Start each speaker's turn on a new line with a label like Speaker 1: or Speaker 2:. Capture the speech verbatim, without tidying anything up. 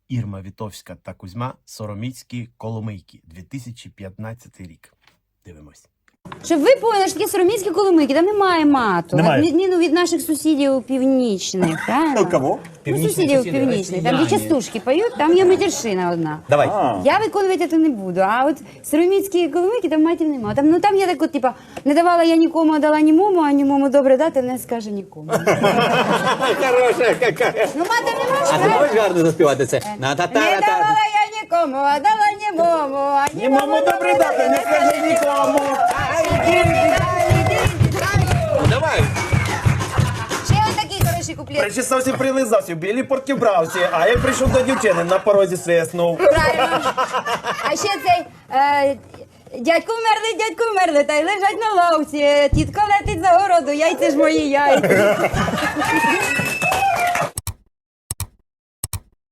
Speaker 1: Ірма Вітовська та Кузьма Сороміцькі Коломийки, дві тисячі п'ятнадцятий рік. Дивимось.
Speaker 2: Щоб ви поняли, що таке Сороміцькі Коломийки, там немає мату.
Speaker 3: Немає.
Speaker 2: На відміну від наших сусідів північних, правильно?
Speaker 3: Кого?
Speaker 2: Ну, сусідів північних. Там, де частушки поють, там є матершина одна.
Speaker 3: Давай.
Speaker 2: Я виконувати це не буду, а от Сороміцькі Коломийки, там матів немає. Там, ну, там є так от, типа, не давала я нікому, а дала німому, а німому добре дати, не скаже нікому.
Speaker 4: Хороша какая.
Speaker 2: Ну, мати не
Speaker 4: А ти
Speaker 2: можна.
Speaker 4: можеш гарно заспівати це? На та та
Speaker 2: Не
Speaker 4: та
Speaker 2: давала я нікому, а дала німому, а німому добре дати, не скаже нікому.
Speaker 4: Давай.
Speaker 2: Ще ось такий хороший куплет.
Speaker 3: Причесався, прилизався, в білій портки вбрався, а як прийшов до дівчини, на порозі свиснув.
Speaker 2: Правильно. А ще цей е, дядько вмерли, дядько вмерли, та й лежать на лавці. Тітка летить за городу, яйця ж мої яйця.